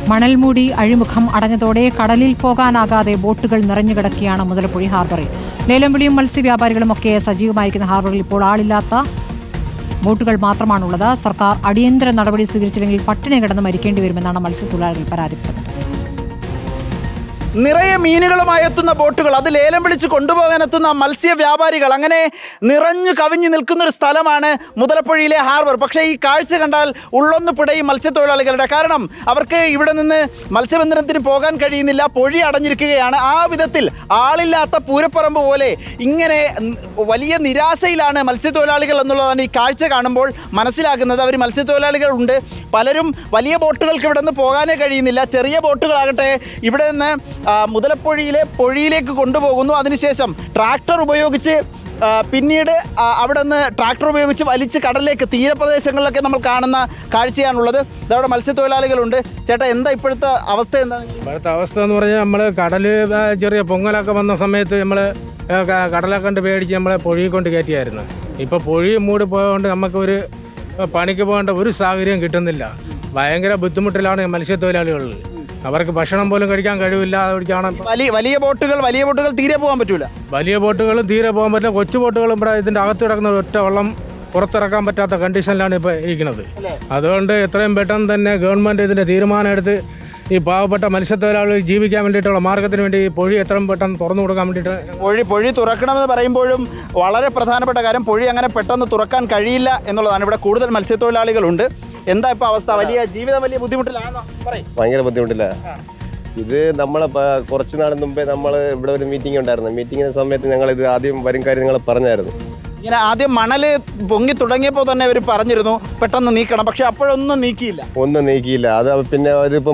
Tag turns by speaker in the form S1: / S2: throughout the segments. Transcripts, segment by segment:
S1: മണൽമൂടി അഴിമുഖം അടഞ്ഞതോടെ കടലിൽ പോകാനാകാതെ ബോട്ടുകൾ നിറഞ്ഞുകിടക്കുകയാണ് മുതലപ്പുഴി ഹാർബറിൽ. ലേലം വിളിയും മത്സ്യവ്യാപാരികളുമൊക്കെ സജീവമായിരിക്കുന്ന ഹാർബറിൽ ഇപ്പോൾ ആളില്ലാത്ത ബോട്ടുകൾ മാത്രമാണുള്ളത്. സർക്കാർ അടിയന്തര നടപടി സ്വീകരിച്ചില്ലെങ്കിൽ പട്ടിണി കിടന്ന് മരിക്കേണ്ടി വരുമെന്നാണ് മത്സ്യത്തൊഴിലാളികൾ പരാതിപ്പെടുന്നത്.
S2: നിറയെ മീനുകളുമായി എത്തുന്ന ബോട്ടുകൾ, അത് ലേലം വിളിച്ച് കൊണ്ടുപോകാനെത്തുന്ന മത്സ്യ വ്യാപാരികൾ, അങ്ങനെ നിറഞ്ഞു കവിഞ്ഞു നിൽക്കുന്ന ഒരു സ്ഥലമാണ് മുതലപ്പുഴയിലെ ഹാർബർ. പക്ഷേ ഈ കാഴ്ച കണ്ടാൽ ഉള്ളൊന്ന് പിടയും മത്സ്യത്തൊഴിലാളികളുടെ. കാരണം അവർക്ക് ഇവിടെ നിന്ന് മത്സ്യബന്ധനത്തിന് പോകാൻ കഴിയുന്നില്ല, പൊഴി അടഞ്ഞിരിക്കുകയാണ്. ആ വിധത്തിൽ ആളില്ലാത്ത പൂരപ്പറമ്പ് പോലെ ഇങ്ങനെ വലിയ നിരാശയിലാണ് മത്സ്യത്തൊഴിലാളികൾ എന്നുള്ളതാണ് ഈ കാഴ്ച കാണുമ്പോൾ മനസ്സിലാക്കുന്നത്. അവർ മത്സ്യത്തൊഴിലാളികളുണ്ട്, പലരും വലിയ ബോട്ടുകൾക്ക് ഇവിടെ നിന്ന് പോകാനേ കഴിയുന്നില്ല. ചെറിയ ബോട്ടുകളാകട്ടെ ഇവിടെ നിന്ന് മുതലപ്പുഴയിലെ പൊഴിയിലേക്ക് കൊണ്ടുപോകുന്നു. അതിനുശേഷം ട്രാക്ടർ ഉപയോഗിച്ച് പിന്നീട് അവിടെ നിന്ന് ട്രാക്ടർ ഉപയോഗിച്ച് വലിച്ച് കടലിലേക്ക്, തീരപ്രദേശങ്ങളിലൊക്കെ നമ്മൾ കാണുന്ന കാഴ്ചയാണുള്ളത്. ഇതവിടെ മത്സ്യത്തൊഴിലാളികളുണ്ട്. ചേട്ടാ, എന്താ ഇപ്പോഴത്തെ അവസ്ഥ? എന്താ
S3: ഇപ്പോഴത്തെ അവസ്ഥ എന്ന് പറഞ്ഞാൽ നമ്മൾ കടൽ ചെറിയ പൊങ്ങലൊക്കെ വന്ന സമയത്ത് നമ്മൾ കടലൊക്കെ കൊണ്ട് പേടിച്ച് നമ്മളെ പൊഴി കൊണ്ട് കയറ്റിയായിരുന്നു. ഇപ്പോൾ പൊഴി മൂടി പോയതുകൊണ്ട് നമുക്കൊരു പണിക്ക് പോകേണ്ട ഒരു സാഹചര്യം കിട്ടുന്നില്ല. ഭയങ്കര ബുദ്ധിമുട്ടിലാണ് മത്സ്യത്തൊഴിലാളികൾ. അവർക്ക് ഭക്ഷണം പോലും കഴിക്കാൻ കഴിവില്ല.
S2: വലിയ ബോട്ടുകൾ തീരെ പോകാൻ പറ്റൂല.
S3: വലിയ ബോട്ടുകളും തീരെ പോകാൻ പറ്റില്ല. കൊച്ചു ബോട്ടുകളും ഇവിടെ ഇതിൻ്റെ അകത്ത് കിടക്കുന്ന ഒറ്റ വെള്ളം പുറത്തിറക്കാൻ പറ്റാത്ത കണ്ടീഷനിലാണ് ഇപ്പോൾ ഇരിക്കുന്നത്. അതുകൊണ്ട് എത്രയും പെട്ടെന്ന് തന്നെ ഗവൺമെൻറ് ഇതിൻ്റെ തീരുമാനം എടുത്ത് ഈ പാവപ്പെട്ട മത്സ്യത്തൊഴിലാളികൾ ജീവിക്കാൻ വേണ്ടിയിട്ടുള്ള മാർഗത്തിന് വേണ്ടി പൊഴി എത്രയും പെട്ടെന്ന് തുറന്നു കൊടുക്കാൻ വേണ്ടിയിട്ട്
S2: പൊഴി തുറക്കണമെന്ന് പറയുമ്പോഴും വളരെ പ്രധാനപ്പെട്ട കാര്യം, പൊഴി അങ്ങനെ പെട്ടെന്ന് തുറക്കാൻ കഴിയില്ല എന്നുള്ളതാണ്. ഇവിടെ കൂടുതൽ മത്സ്യത്തൊഴിലാളികളുണ്ട്. എന്താ ഇപ്പൊ അവസ്ഥ? ജീവിതം വലിയ ബുദ്ധിമുട്ടിലാണോ?
S4: ഭയങ്കര ബുദ്ധിമുട്ടില്ല. ഇത് നമ്മളെ കുറച്ച് നാൾ മുമ്പേ നമ്മൾ ഇവിടെ ഒരു മീറ്റിംഗ് ഉണ്ടായിരുന്നു. മീറ്റിംഗിന്റെ സമയത്ത് ഞങ്ങൾ ഇത് ആദ്യം വരും കാര്യം നിങ്ങൾ പറഞ്ഞായിരുന്നു.
S2: ഇങ്ങനെ ആദ്യം മണല് പൊങ്ങി തുടങ്ങിയപ്പോൾ തന്നെ അവർ പറഞ്ഞിരുന്നു പെട്ടെന്ന് നീക്കണം, പക്ഷെ അപ്പോഴൊന്നും നീക്കിയില്ല.
S4: അത് പിന്നെ ഇതിപ്പോ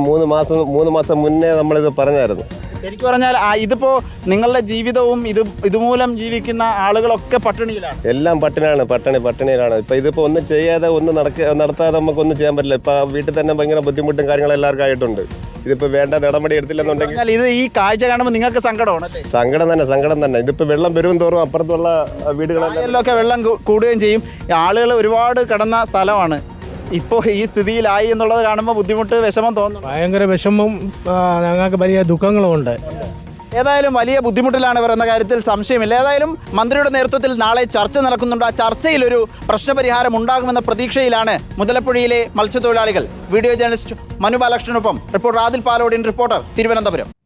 S4: 3 മാസം മുന്നേ നമ്മളിത് പറഞ്ഞായിരുന്നു.
S2: ശരിക്കും പറഞ്ഞാൽ ഇതിപ്പോ നിങ്ങളുടെ ജീവിതവും ഇതുമൂലം ജീവിക്കുന്ന ആളുകളൊക്കെ പട്ടിണിയിലാണ്.
S4: എല്ലാം പട്ടിണിയിലാണ്. ഇതിപ്പോ ഒന്നും ചെയ്യാതെ നടത്താതെ നമുക്കൊന്നും ചെയ്യാൻ പറ്റില്ല. ഇപ്പൊ വീട്ടിൽ തന്നെ ഭയങ്കര ബുദ്ധിമുട്ടും കാര്യങ്ങളും എല്ലാവർക്കും ആയിട്ടുണ്ട്. ഇതിപ്പോ വേണ്ട നടപടി എടുത്തില്ലെന്നുണ്ടെങ്കിൽ
S2: ഇത് ഈ കാഴ്ച കാണുമ്പോൾ നിങ്ങൾക്ക് സങ്കടമാണ്.
S4: സങ്കടം തന്നെ. ഇതിപ്പോ വെള്ളം വരും തോറും അപ്പുറത്തുള്ള വീടുകളെല്ലാം
S2: വെള്ളം കൂടുകയും ചെയ്യും. ആളുകൾ ഒരുപാട് കിടന്ന സ്ഥലമാണ്. ഇപ്പോൾ ഈ സ്ഥിതിയിലായി എന്നുള്ളത് കാണുമ്പോൾ ബുദ്ധിമുട്ട്, വിഷമം തോന്നുന്നു.
S3: ഭയങ്കര വിഷമം, ഞങ്ങൾക്ക് വലിയ ദുഃഖങ്ങളുമുണ്ട്.
S2: ഏതായാലും വലിയ ബുദ്ധിമുട്ടിലാണ് ഇവർ എന്ന കാര്യത്തിൽ സംശയമില്ല. ഏതായാലും മന്ത്രിയുടെ നേതൃത്വത്തിൽ നാളെ ചർച്ച നടക്കുന്നുണ്ട്. ആ ചർച്ചയിൽ ഒരു പ്രശ്നപരിഹാരം ഉണ്ടാകുമെന്ന പ്രതീക്ഷയിലാണ് മുതലപ്പുഴയിലെ മത്സ്യത്തൊഴിലാളികൾ. വീഡിയോ ജേർണലിസ്റ്റ് മനു ബാലകൃഷ്ണനൊപ്പം റിപ്പോർട്ടർ ആദിൽ പാലോടിൻ, റിപ്പോർട്ടർ, തിരുവനന്തപുരം.